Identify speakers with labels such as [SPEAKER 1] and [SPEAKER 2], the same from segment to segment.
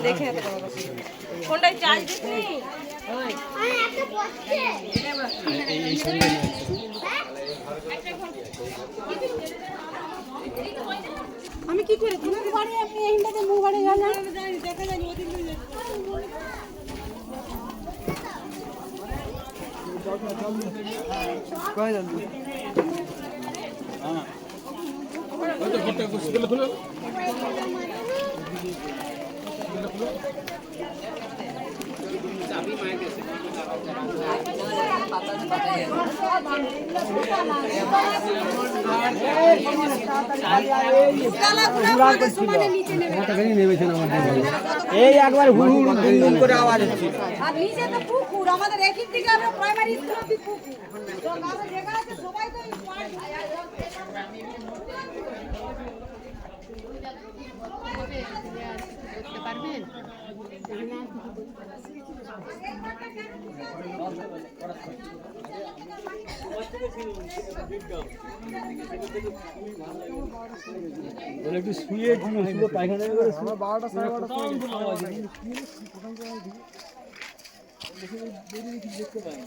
[SPEAKER 1] দেখে ফোনটায় চার্জ দিচ্ছি। আমি কি করে তোমার বাড়ি আমি এইটাতে মুখ বাড়ি গেলাম দেখা যায়নি ওদিন কই যান হ্যাঁ ওই তো ফটো খুলে খুলে চাবি মার গেছে এই একবার হুড় হুড় করে আওয়াজ হচ্ছে আর নিচে তো পুকুর আমাদের একই দিকে আমরা প্রাইমারি স্কুল অবধি পুকুর তো কাছে জায়গা আছে সবাই তো দেখতে পারবেন
[SPEAKER 2] একটু শুয়ে শুয়ে পায়খানা করে 12টা 12টা দেখতে পাই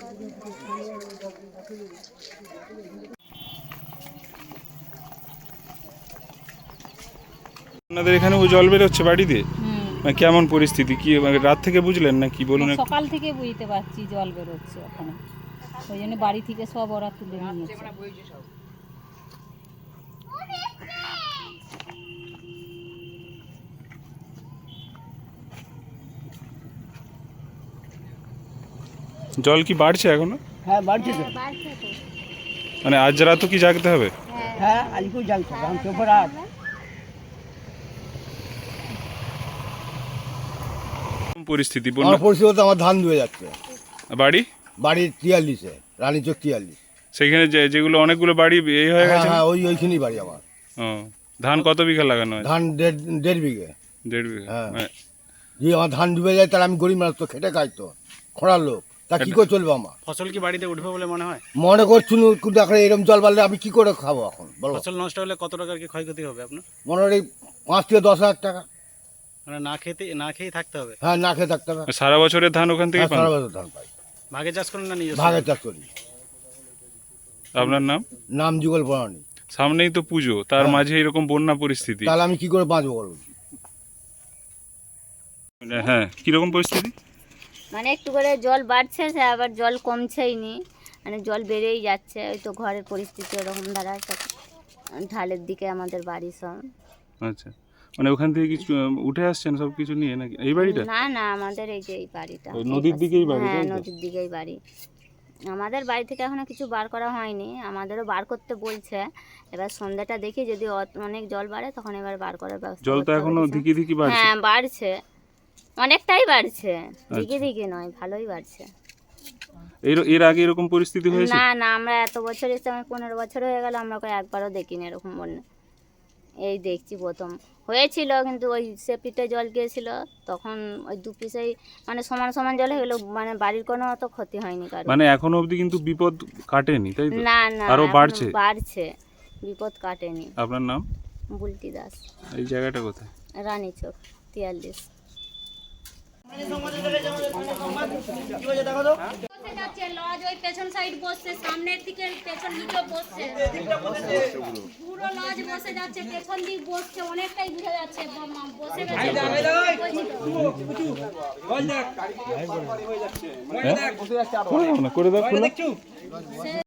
[SPEAKER 3] আপনাদের এখানেও জল বেরোচ্ছে বাড়িতে? মানে কেমন পরিস্থিতি, কি রাত থেকে বুঝলেন না কি বলুন?
[SPEAKER 4] সকাল থেকে বুঝতে পারছি জল বেরোচ্ছে ওখানে, ওই জন্য বাড়ি থেকে সব ওরা তুলে নিয়েছে।
[SPEAKER 3] জল কি বাড়ছে এখনো?
[SPEAKER 2] হ্যাঁ বাড়ছে তো,
[SPEAKER 3] মানে আজ রাতও কি জাগতে হবে?
[SPEAKER 2] হ্যাঁ আজকেও জাগতে হবে, আমি তো রাত
[SPEAKER 3] পরিস্থিতি
[SPEAKER 5] আমার পরিস্থিতি আমার ধান ধুয়ে যাচ্ছে।
[SPEAKER 3] বাড়ি
[SPEAKER 5] বাড়ি 43-এ রানীচক 43।
[SPEAKER 3] সেখানে যেগুলো অনেকগুলো বাড়ি এই হয়ে গেছে?
[SPEAKER 5] হ্যাঁ ওইখানেই বাড়ি আমার।
[SPEAKER 3] ও ধান কত বিঘা লাগানো আছে?
[SPEAKER 5] ধান 1.5 বিঘে।
[SPEAKER 3] 1.5 বিঘা?
[SPEAKER 5] হ্যাঁ যদি আমার ধান ডুবে যায় তাহলে আমি গরিব মানুষ, তো খেটে খাই, তো খোঁড়ার লোক, তা কি করে চলবে আমার?
[SPEAKER 6] ফসল কি বাড়িতে উঠবে বলে মনে হয়?
[SPEAKER 5] মনে করছুন দেখলে এরকম জল বাড়লে আমি কি করে খাবো এখন বলো?
[SPEAKER 6] ফসল নষ্ট হলে কত টাকার কি ক্ষয়ক্ষতি হবে আপনার?
[SPEAKER 5] মনে হয় 5 থেকে 10 হাজার টাকা।
[SPEAKER 6] মানে না খেয়ে থাকতে হবে?
[SPEAKER 5] হ্যাঁ না খেয়ে থাকতে হবে।
[SPEAKER 3] সারা বছরের ধান ওখান থেকে পান?
[SPEAKER 5] সারা বছর ধান পাই।
[SPEAKER 6] ভাগে চাষ করেন না নিজে?
[SPEAKER 5] ভাগে চাষ করি।
[SPEAKER 3] আপনার নাম?
[SPEAKER 5] নাম যুগল বরানি।
[SPEAKER 3] সামনেই তো পুজো, তার মাঝে এরকম বন্যা পরিস্থিতি,
[SPEAKER 5] তাহলে আমি কি করে বাঁচবো বলুন?
[SPEAKER 3] হ্যাঁ কিরকম পরিস্থিতি?
[SPEAKER 4] মানে একটু করে জল বাড়ছে, সে আবার জল কমছেই নি, মানে জল বেড়েই যাচ্ছে। ওই তো ঘরের পরিস্থিতি ওরকম দাঁড়াচ্ছে, ঢালের দিকে আমাদের বাড়ি সব।
[SPEAKER 3] আচ্ছা, মানে ওখান থেকে কিছু উঠে আসছেন সব কিছু নিয়ে নাকি? এই বাড়িটা?
[SPEAKER 4] না না, আমাদের এই যে এই বাড়িটা
[SPEAKER 3] নদীর দিকেই বাড়ি?
[SPEAKER 4] হ্যাঁ নদীর দিকেই বাড়ি। আমাদের বাড়ি থেকে এখনো কিছু বার করা হয়নি, আমাদেরও বার করতে বলছে। এবার সন্ধ্যাটা দেখি যদি অনেক জল বাড়ে তখন এবার বার করার ব্যবস্থা।
[SPEAKER 3] জল তো এখনো ধিকি ধিকি বাড়ছে?
[SPEAKER 4] হ্যাঁ বাড়ছে, অনেকটাই বাড়ছে, ধিকি ধিকি নয়, ভালোই বাড়ছে।
[SPEAKER 3] এর আগে এরকম পরিস্থিতি হয়েছে?
[SPEAKER 4] না না, আমরা এত বছর এসে, আমি 15 বছর হয়ে গেল, আমরা একবারও দেখিনি এরকম বন্যা। এই দেখছি প্রথম হয়েছিল, কিন্তু ওই সেপিতে জল গিয়েছিল তখন ওই দু পিসেই মানে সমান সমান জল হয়ে গেলো, মানে বাড়ির কোনো অত ক্ষতি হয়নি কারণ।
[SPEAKER 3] মানে এখনো অবধি কিন্তু বিপদ কাটেনি, তাই তো?
[SPEAKER 4] না না,
[SPEAKER 3] আরো বাড়ছে?
[SPEAKER 4] বাড়ছে, বিপদ কাটেনি।
[SPEAKER 3] আপনার নাম?
[SPEAKER 4] বুলটি দাস।
[SPEAKER 3] এই জায়গাটা কোথায়?
[SPEAKER 4] রানীচক 43। লজ ওই পেছন সাইড বসছে, সামনের দিকে পেছন নিচে বসছে, পুরো লজ বসে যাচ্ছে, পেছন দিক বসছে, অনেকটাই বুঝা যাচ্ছে বসে গেছে।
[SPEAKER 3] করে দাও।